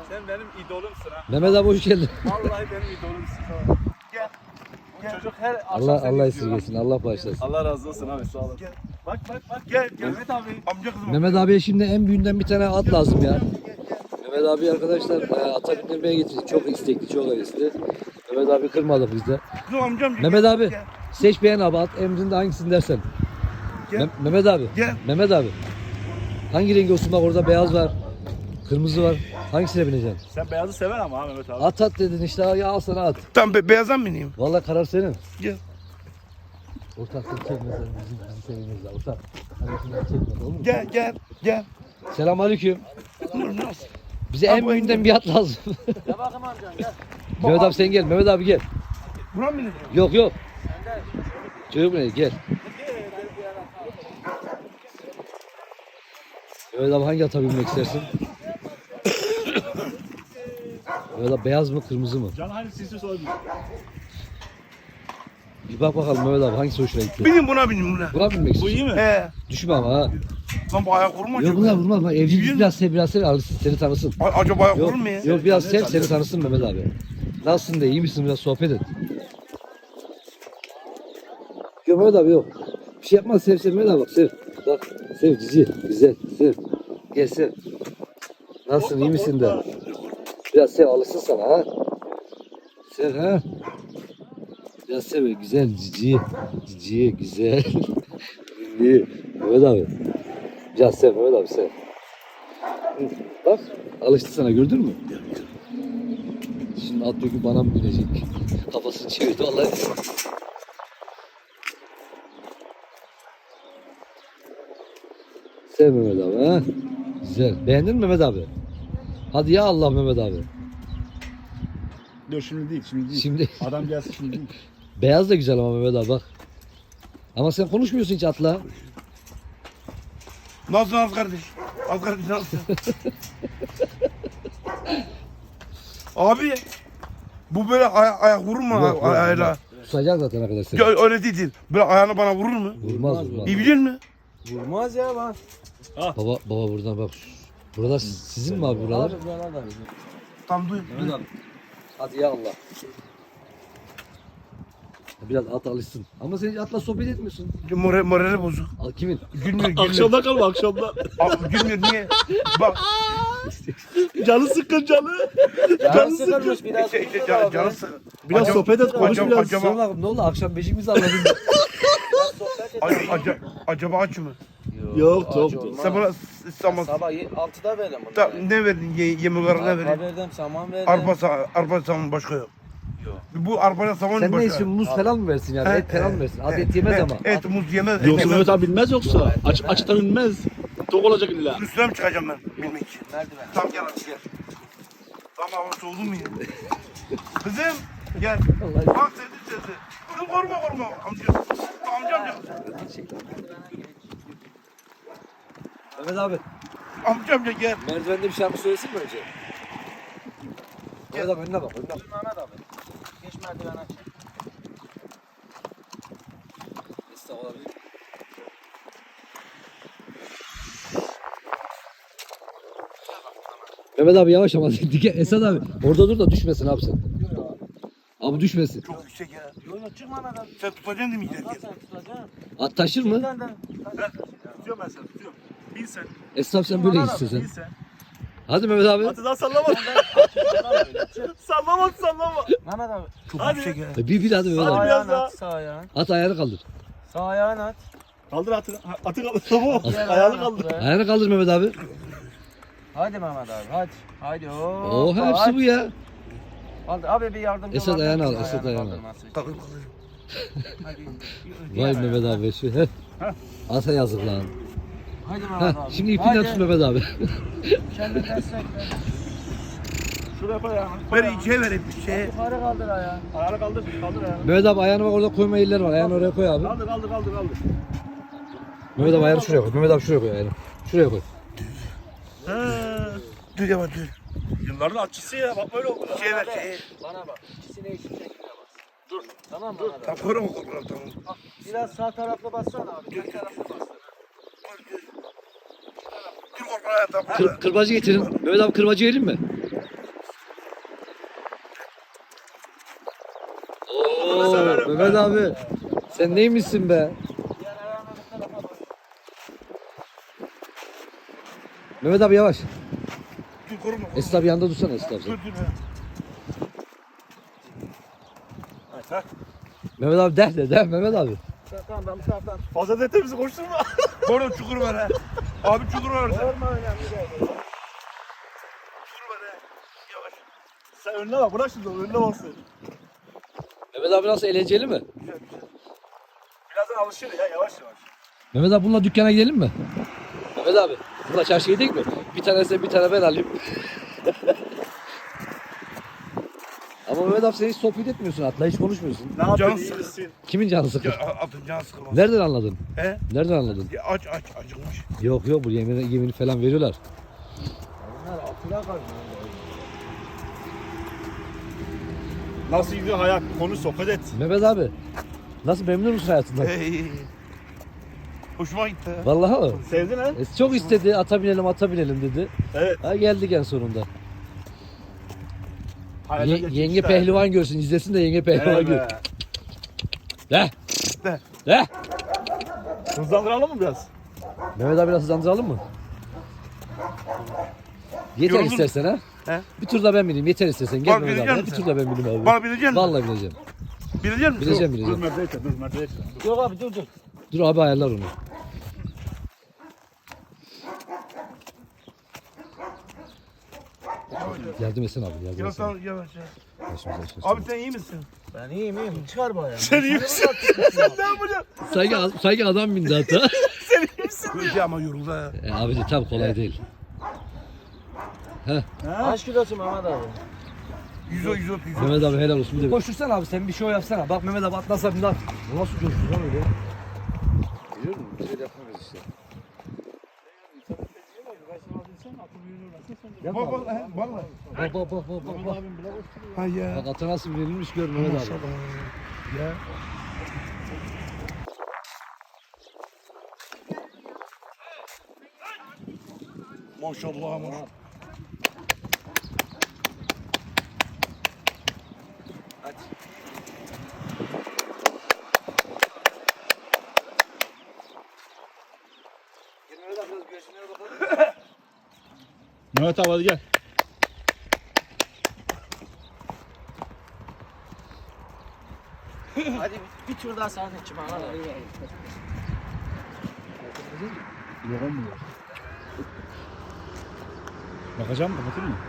Sen benim idolumsun ha. Mehmet abi hoş geldin. Vallahi benim idolumsun. Gel. Çocuk her akşam Allah seni Allah izliyor. esirgesin. Allah bağışlasın. Allah razı olsun abi sağ olun. Bak gel Mehmet abi. Amca kızım. Mehmet abiye şimdi en büyüğünden bir tane at lazım ya. Mehmet abi arkadaşlar ata bindirmeye getirdik. Çok istekli, çok hevesli. Mehmet abi kırmadı bizde. Kızım amcam. Mehmet abi seç beğen abi at. Emrinde hangisini dersen. Gel. Mehmet abi. Gel. Mehmet abi. Hangi rengi olsun bak orada beyaz var. Kırmızı var. Hangisine bineceksin? Sen beyazı sever ama ha Mehmet abi. At dedin işte ya al sana at. Tam beyazdan mı ineyim? Vallahi karar senin. Gel. Ortak seni çekmezler bizim sevimiz var. Ortak. Hani çekmez olur mu? Gel. Selamünaleyküm. Nasıl? Bize en Abi, büyüğünden bir at lazım. Gel bakayım amcan gel. Mehmet abi sen gel. Mehmet abi gel. Buna mı ineceğim? Yok. Çocuk ne? Gel. Mehmet abi hangi ata binmek istersin? Mehmet abi beyaz mı kırmızı mı? Can hangisini sorabilir? Bir bak bakalım Mehmet abi hangisi hoşuna gitti? Bineyim buna bineyim buna. Buna binmek Bu iyi istiyorsun. mi? Düşme ama ha. Lan bu ayak vurma Yok acaba. bunlar vurmaz. Bak, evcilik Yürüyün. biraz sev alışsın seni tanısın. Acaba ayak Yok, vurur mu ya? yok biraz sev seni tanısın Mehmet abi. Nasılsın de iyi misin biraz sohbet et. Yok Mehmet abi yok. Bir şey yapmaz sev Mehmet abi bak sev. Bak sev cici güzel sev. Gel sev. Nasılsın iyi misin de. Biraz sev alışsın sana ha. Sev ha. Biraz sev güzel cici güzel. İyi. Mehmet abi. Biraz sev Mehmet abi sev. Hı, bak alıştı sana gördün mü? Şimdi at diyor ki bana mı binecek? Kafasını çevirdi vallahi. Sev Mehmet abi ha. Güzel. Beğendin mi Mehmet abi? Hadi ya Allah Mehmet abi. Dur şimdi değil. Şimdi Adam gelsin şimdi değil. beyaz da güzel ama Mehmet abi bak. Ama sen konuşmuyorsun hiç atla. Nasılsın az kardeş? Az kardeş nasılsın? Abi bu böyle ayak vurur mu Yok, ayağıyla? Tutacak zaten arkadaşlar. Ya, öyle değil. Böyle ayağını bana vurur mu? Vurmaz. İyi biliyor musun? Vurmaz ya bak. Baba buradan bak. Buralar sizin mi abi buralar? Tam duy. Mehmet abi. Hadi ya Allah. Biraz at alışsın. Ama sen hiç atla sohbet etmiyorsun. Morali bozuk. Al kimin? Gülmüyor. Akşamda kalma akşamda. Abi, gülmüyor niye? Bak. Canı sıkkın canı. Canı sıkkın. biraz. Canı sıkı. Biraz Acaba- sohbet et konuş acaba- biraz. acaba- Sonra bakalım ne oldu? Akşam beşimizi anladın. Acaba aç mı? Yok yok. Sabah Sabah 6'da verdim bunu. ne verdin? Yemek olarak ne verdin? Verdim, saman verdim. Arpa saman başka yok. Bu arpayla saman Sen başka. ne istiyorsun? Muz falan mı versin yani? He, Et falan mı versin? Hadi he, et yemez he, ama. Et muz yemez. Yoksa et Mehmet abi bilmez yoksa. Açıktan bilmez. Tok olacak illa. Üstüne mi çıkacağım ben bilmek için? Merdiven. Tamam gel hadi gel. Tamam hava soğudu mu ya? Kızım gel. Bak sesi. Kızım korkma. Amcam gel. Mehmet abi. Amcam gel. Merdivende bir şarkı söylesin mi önce? Mehmet abi önüne bak. Mehmet abi. Geç merdiven aç. Estağfurullah. Mehmet abi yavaş ama Esad abi orada dur da düşmesin abi sen. Abi düşmesin. Çok yüksek ya. Yok çık Mehmet abi. Sen tutacaksın değil mi Allah giderken? sen tutacaksın. At taşır mı? Tutuyorum ben seni tutuyorum. Bin sen. Esad sen böyle gitsin Bin sen. sen. Hadi Mehmet abi. Hadi daha sallama. Sallama. Mehmet abi. Çok Hadi. yüksek ya. Bir hadi Mehmet Sağ abi. biraz ayağını daha. at. Sağ ayağını. At ayağını kaldır. Sağ ayağını at. Kaldır atı. Atı kaldır. Tamam. Diğer Ayağını at kaldır. buraya. Ayağını kaldır Mehmet abi. Hadi Mehmet abi hadi. Hadi Oo hepsi bu ya. Kaldır. Abi bir yardımcı Esad var. ayağını al, Ayağını Esad ayağını al. kaldırması için. Kaldır. Hadi. Vay Mehmet abi şu. Heh. Ata yazık lan. Hadi Mehmet Heh, abi. şimdi ipinden tut Mehmet abi. Kendini destek ver. Şuraya koy ayağını. Ver içe ver şeye. Yukarı kaldır ayağını. Ayağını kaldır. Kaldır ayağını. Mehmet abi ayağını bak orada koyma yerler var. Ayağını oraya koy abi. Kaldır. Mehmet abi ayağını şuraya koy. Mehmet abi şuraya koy ayağını. Şuraya koy. Dur yavaş dur. Yılların atçısı ya. Bak böyle oldu. Şeye ver şeye. Bana bak. İkisine eşit şekilde bas. Dur. Tamam mı? Dur. Tamam korkma tamam. Biraz sağ taraflı bassana abi. Sağ taraflı bas. Dur korkma tamam. Kırbacı getirin. Mehmet abi kırbacı verelim mi? Mehmet abi. Sen neymişsin be? Diğer ayağını bu tarafa bas. Mehmet abi yavaş. Dur koruma. Esra abi yanında dursana Esra abi. Dur. Ha. Mehmet abi de Mehmet abi. Tamam ben bu taraftan. Fazla detayımızı koşturma. Orada çukur var ha. Abi çukur var orada. Yorma önemli değil. Çukur var ha. Yavaş. Sen önüne bak. Bırak şimdi onu. Önüne baksın. Mehmet abi nasıl eğlenceli mi? Güzel. Birazdan alışır ya. Yavaş yavaş. Mehmet abi bununla dükkana gidelim mi? Mehmet abi bununla çarşıya gidelim mi? Bir tane sen bir tane ben alayım. Ama Mehmet abi sen hiç sohbet etmiyorsun atla hiç konuşmuyorsun. Ne yapıyorsun? Canı İyi sıkı. misin? Kimin canı sıkır? Ya atın canı sıkılmaz. Nereden anladın? He? Nereden anladın? Ya aç acıkmış. Yok bu yemini falan veriyorlar. Bunlar atıla kalmıyor. Nasıl gidiyor hayat? Konuş, sohbet et. Mehmet abi nasıl memnun musun hayatından? Hey. Hoşuma gitti. ha. Vallahi mi? Sevdin ha? Çok istedi ata binelim dedi. Evet. Ha geldik en sonunda. Hayata geçmiş Yenge de. pehlivan görsün izlesin de yenge pehlivan Evet gör. be. De. De. De. Hızlandıralım mı biraz? Mehmet abi biraz hızlandıralım mı? Yeter Yoruldun mu? istersen ha. He? Bir tur da ben bineyim yeter istersen. Gel Bana Mehmet binecek abi. Bir misin? tur da ben bineyim abi. Bana bilecek misin? Vallahi bineceğim. Bilecek misin? Bineceğim Dur bineceğim. merdiveye dur merdiveye dur. Yok abi dur. Dur abi ayarlar onu. Yardım etsene abi yardım Yavaş etsene. yavaş yavaş. Başımıza açıyorsun. Abi sen iyi misin? Ben iyiyim. Çıkar bu ayağını. Sen iyi misin? Sen ne yapacaksın? Sanki adam bindi hatta. Kılıcı ama yoruldu ha. Abi de tabii kolay değil. Kaç kilosun Mehmet abi? 100. Mehmet abi helal olsun. Koştursana abi sen bir şey yapsana. Bak Mehmet abi atlasa bir lan. Bu nasıl coştu lan öyle? Biliyor musun? Bir şey yapamayız işte. Bak bak he, vallahi. Bak. Ha ya. Bak ata nasıl verilmiş gör Mehmet abi. Ya. Maşallah maşallah. Mehmet abi hadi gel. Hadi bir tur daha sahne çık Mehmet abi. Yok olmuyor. Bakacağım kapatır mı?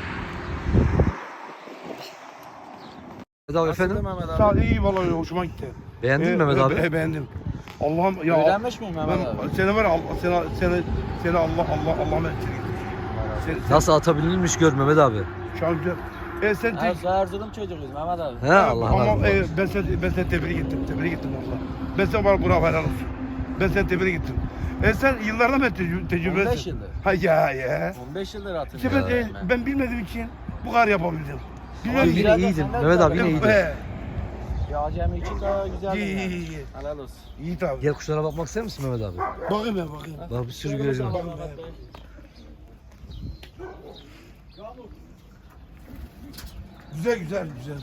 Mehmet abi efendim. Mehmet abi. Sağ iyi vallahi hoşuma gitti. Beğendin mi Mehmet abi? Beğendim. Allah'ım ya. Öğrenmiş miyim Mehmet abi? Ben seni var ya seni Allah etsin. Nasıl ata binilmiş gör Mehmet abi. Şu an güzel. Sen Ya Erzurum çocuğuyuz Mehmet abi. He Allah ama Allah. ben seni tebrik ettim valla. Ben sana var bravo helal olsun. Ben seni tebrik ettim. Sen yıllardan beri tecrübelisin. 15 yıldır. Ha ya. 15 yıldır İşte hatırlıyorum. ben bilmediğim için bu kadar yapabildim. Ama Yine biraz da iyiydin. senden Mehmet abi güzel. yine iyiydin. Ya acemi için daha güzel. İyi. Helal olsun. İyi tabii. Gel kuşlara bakmak ister misin Mehmet abi? Bakayım ben bakayım. Bak bir sürü görüyorum. Güzel.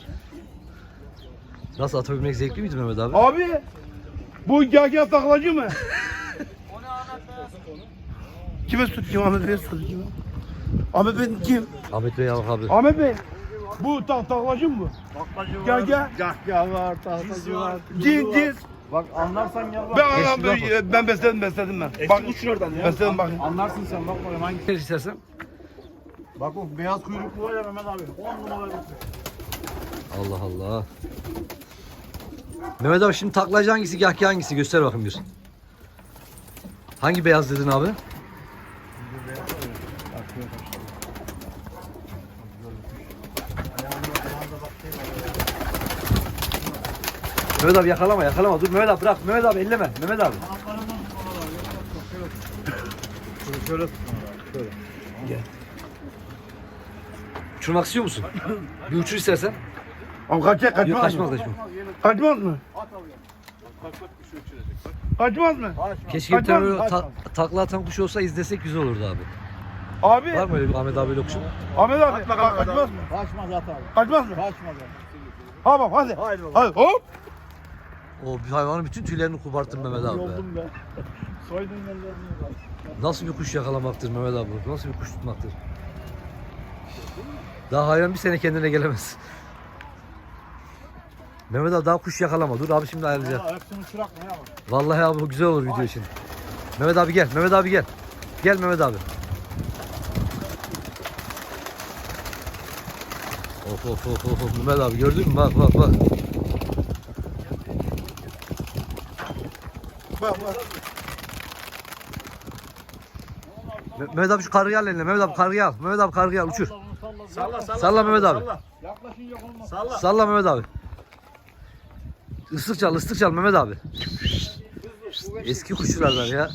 Nasıl ata binmek zevkli miydi Mehmet abi? Abi bu gagah taklacı mı? O ne Ahmet Beyaz? Kime kim Ahmet Bey soruyor kim? Ahmet Bey kim? Ahmet Bey abi. Ahmet Bey. Bu taklacı mı? Baklacı var. Gagah. Gagah var. Tahtacı var. Cins. Bak anlarsan gel bak. Ben besledim ben. Bak uç oradan ya. Besledim bakın. Anlarsın sen bak bakayım hangi. Ne istersen? Bak o beyaz kuyruklu var ya Mehmet abi. 10 numara bir. Allah Allah. Mehmet abi şimdi taklacı hangisi, gahki hangisi? Göster bakayım bir. Hangi beyaz dedin abi? Mehmet abi yakalama. Dur Mehmet abi bırak. Mehmet abi elleme. Mehmet abi. Şöyle Uçurmak istiyor musun? Bir uçur istersen. Ama kaçmaz Yok mı? kaçmaz. Kaçmaz mı? Kaçmaz mı? Keşke bir Kaçmaz tane mı? böyle takla atan kuş olsa izlesek güzel olurdu abi. Abi. Var mı öyle bir Ahmet abiyle kuşun? Ahmet abi. Kaçmaz mı? Kaçmaz at abi. Kaçmaz mı? Kaçmaz abi. Ha bak hadi. Haydi baba. Hadi hop. O bir hayvanın bütün tüylerini koparttın Mehmet abi be. Yoldum ben. Soydum ellerini bak. Nasıl bir kuş yakalamaktır Mehmet abi? Nasıl bir kuş tutmaktır? Daha hayvan bir sene kendine gelemez. Mehmet abi daha kuş yakalama. Dur abi şimdi ayarlayacak. Valla hepsini çırak ne yapalım? Vallahi abi bu güzel olur video için. Mehmet abi gel. Mehmet abi gel. Gel Mehmet abi. Of. Mehmet abi gördün mü? Bak. Bak. Mehmet abi şu kargıyı al eline. Mehmet abi kargıyı al. Mehmet abi kargıyı al. Uçur. Salla. Salla Mehmet abi. Yaklaşınca olmaz. Salla Mehmet abi. Islık çal Mehmet abi. Eski kuşçulardan ya.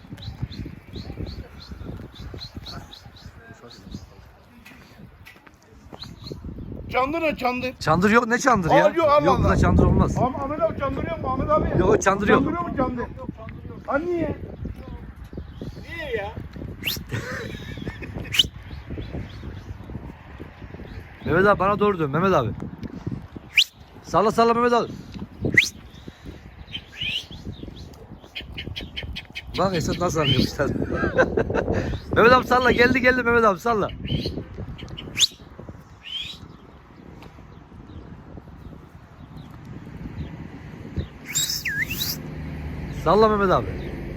Çandır ne çandır? Çandır yok, ne çandır ya? Aa, yok, Allah Yok burada Allah. çandır olmaz. Ahmet abi çandırıyor mu Ahmet abi? Yok çandır yok. Çandırıyor mu çandır? Ha niye? Niye ya? Mehmet abi bana doğru dön Mehmet abi. Salla Mehmet abi. Bak Esat nasıl anlıyormuşlar. Mehmet abi salla, geldi Mehmet abi salla. Salla Mehmet abi.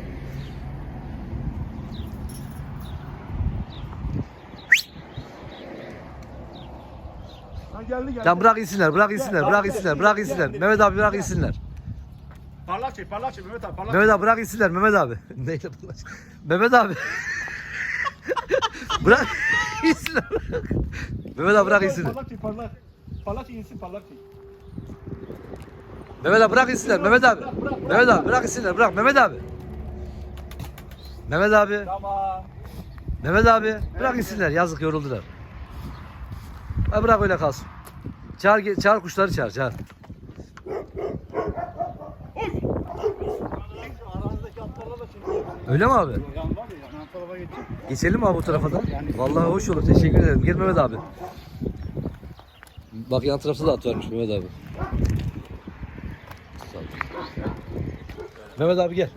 Ha geldi. Tamam bırak insinler. Mehmet abi bırak insinler. Parlak çek Mehmet abi parlak. Mehmet abi bırak insinler Mehmet abi. Neyle bulaş? Mehmet abi. Bırak insinler. Mehmet abi bırak insinler. Parlak çek parlak. Parlak çek insin parlak çek. Mehmet abi bırak insinler Mehmet abi. Mehmet abi bırak insinler bırak Mehmet abi. Mehmet abi. Tamam. Mehmet abi bırak insinler, yazık yoruldular. Ha bırak öyle kalsın. Çağır kuşları çağır. Aranızdaki atlarla da şimdi. Öyle mi abi? Yan var ya yan tarafa geçecek. Geçelim mi abi bu tarafa da? Vallahi hoş olur, teşekkür ederim. Gel Mehmet abi. Bak yan tarafta da at varmış Mehmet abi. Sağ ol. Mehmet abi gel.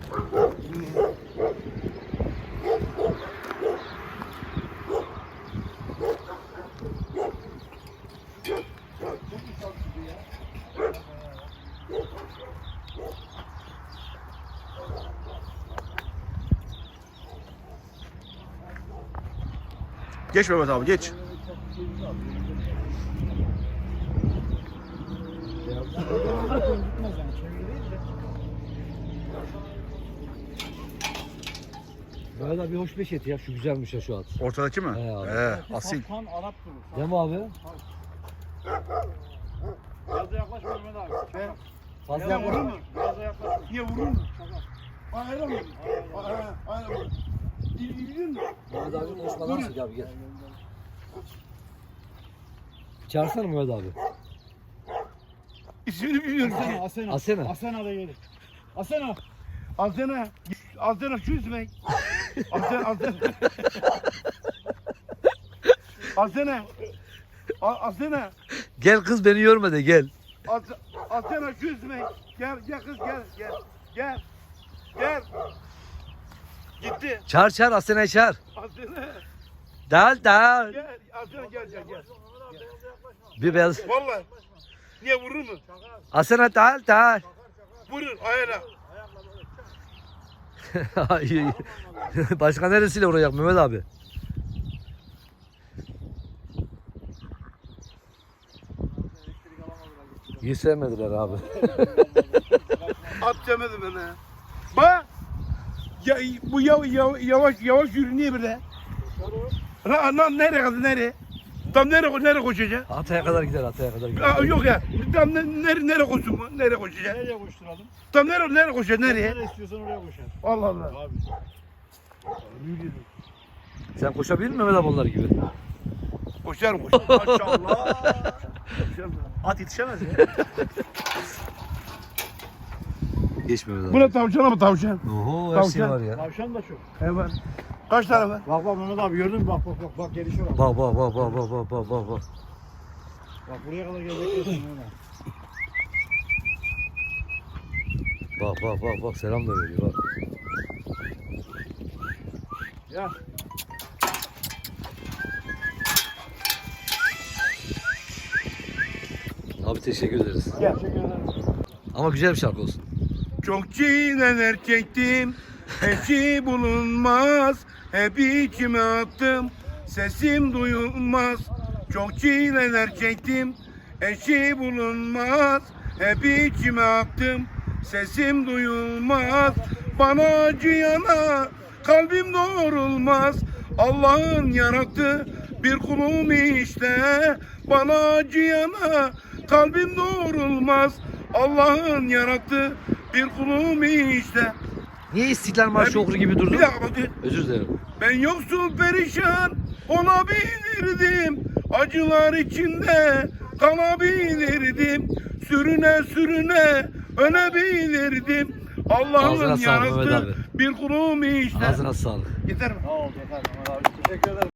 Geç Mehmet abi geç. Gitmez yani çeviri değil de. Mehmet abi hoş beş et ya, şu güzelmiş ya şu at. Ortadaki mi? He abi. Asil. Tam Arap durur. Değil mi abi? Biraz da yaklaş Mehmet abi. Fazla Ya vurur mu? Biraz da yaklaş. Niye vurur mu? Hayır mı? Hayır mı? İlgilenir mi? Mehmet abi konuşmadan sık abi gel. Çağırsana Mehmet abi. İsmini bilmiyorum. Asena. Asena da gelir. Asena. Azena şu ismi. Azena. Gel kız, beni yorma de gel. Azena şu ismi. Gel kız gel. Gitti. Çağır Asena'yı çağır. Azena. Dal. Gel. Azena gel. Bir beyaz. Vallahi. Niye vurur mu? Asena dal. Vurur ayağına. Başka neresiyle vuracak Mehmet abi? İyi sevmediler abi. At demedi bana. Bak. Ya, bu yavaş yürü niye böyle? Nereye kadar nereye? Tam nereye koşacak? Ataya kadar gider. Yok ya. Tam nereye koşsun bu? Nereye koşacak? Nereye koşturalım? Tam nereye koşacak? Nereye? Nereye istiyorsan oraya koşar. Allah Allah. Abi. Sen koşabilir misin Mehmet abi onlar gibi? Koşar. Maşallah. At yetişemez ya. Geç Mehmet abi. Bu ne tavşan ama tavşan? Oho, her şey Tavşan. var ya. Tavşan da çok. Evet. Kaç tane var? Bak Mehmet abi gördün mü? Bak gelişe bak. Bak. Bak buraya kadar gelecek Mehmet abi. Bak bak bak bak selam da veriyor bak. Ya. Abi teşekkür ederiz. Gel. Ama güzel bir şarkı olsun. Çok çileler çektim, eşi bulunmaz. Hep içime attım, sesim duyulmaz. Çok çileler çektim, eşi bulunmaz. Hep içime attım, sesim duyulmaz. Bana acıyana kalbim doğrulmaz. Allah'ın yarattığı bir kulum işte. Bana acıyana kalbim doğrulmaz. Allah'ın yarattığı bir kulum işte. Niye İstiklal Marşı okur gibi durdun? Bir dakika bakayım. Özür dilerim. Ben yoksul perişan olabilirdim. Acılar içinde kalabilirdim. Sürüne sürüne ölebilirdim. Allah'ın Ağzına sağlık Mehmet yarattığı abi. bir kulum işte. Ağzına sağlık. Yeter mi? Sağ ol yeter Mehmet abi. Teşekkür ederim.